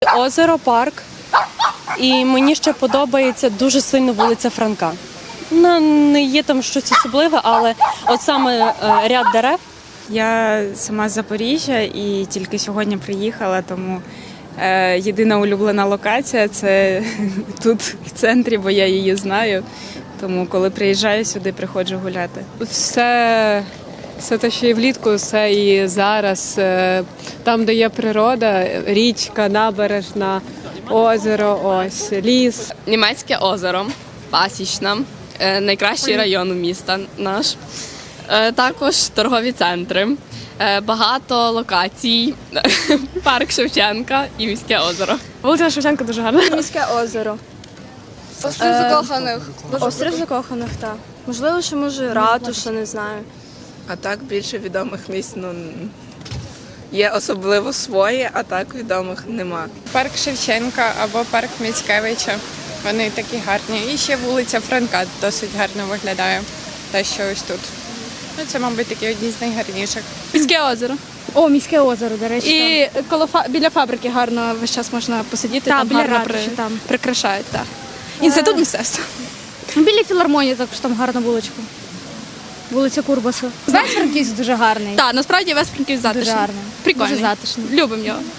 озеро, парк. І мені ще подобається дуже сильно вулиця Франка. Ну, не є там щось особливе, але от саме ряд дерев. Я сама з Запоріжжя і тільки сьогодні приїхала, тому єдина улюблена локація – це тут в центрі, бо я її знаю. Тому коли приїжджаю сюди, приходжу гуляти. Все те, що і влітку, все і зараз. Там, де є природа, річка, набережна, озеро, ось, ліс. Німецьке озеро, Пасічна, найкращий район міста наш. Також торгові центри, багато локацій, парк Шевченка і міське озеро. Вулиця Шевченка дуже гарна. Міське озеро. Острів закоханих. Острів закоханих, так. Можливо, що може ратуша, не знаю. А так більше відомих місць, є особливо свої, а так відомих нема. Парк Шевченка або парк Міцкевича. Вони такі гарні. І ще вулиця Франка досить гарно виглядає. Те, що ось тут. Ну, це, мабуть, такі одні з найгарніших. Міське озеро. О, міське озеро, до речі. І біля фабрики гарно весь час можна посидіти, Та, там біля гарно ратуші, там. прикрашають. Так. Інститут мистецтва. Біля філармонії також там гарна вуличка. Вулиця Курбаса. Знаєш, Франківськ дуже гарний. Так, насправді весь Франківськ затишний. Дуже гарний. Прикольний. Дуже затишний. Любимо його.